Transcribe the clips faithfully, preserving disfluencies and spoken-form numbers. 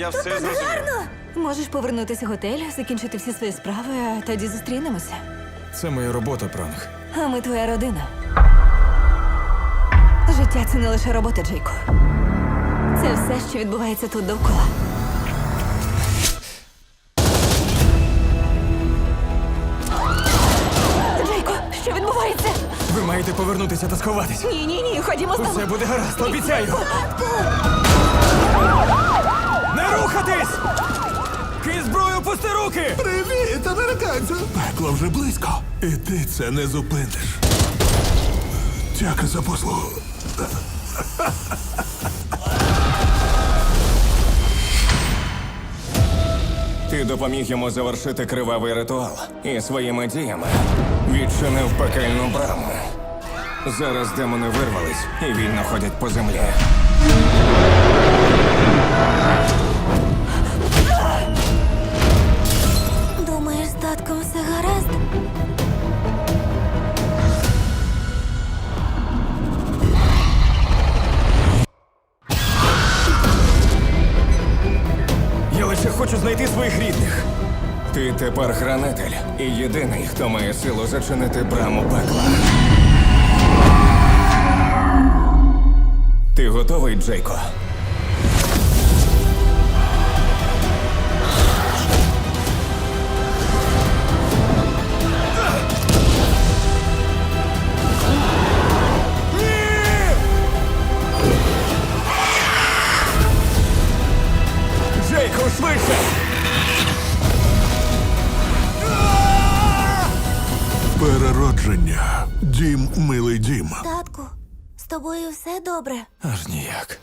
я все зрозумів. Можеш повернутися в готель, закінчити всі свої справи, а тоді зустрінемося. Це моя робота, Пранк. А ми твоя родина. Життя — це не лише робота, Джейко. Це все, що відбувається тут довкола. Джейко, що відбувається? Ви маєте повернутися та сховатись. Ні, ні, ні, ходімо з Усе тобою. буде гаразд, обіцяю. Не рухатись! Кинь зброю, пусти руки! Привіт, американцю! Пекло вже близько. І ти це не зупиниш. Дяка за послугу. Ти допоміг йому завершити кривавий ритуал і своїми діями відчинив пекельну браму. Зараз демони вирвались і вільно ходять по землі. Думаєш, з татком все гаразд? Я лише хочу знайти своїх рідних. Ти тепер хранитель і єдиний, хто має силу зачинити браму пекла. Ти готовий, Джейко? Джейко, швидше! Переродження. Дім, милий дім. Татку, з тобою все добре? Аж ніяк.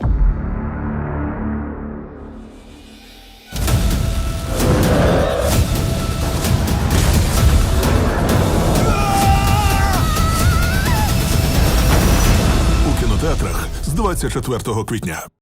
У кінотеатрах з двадцять четвертого квітня.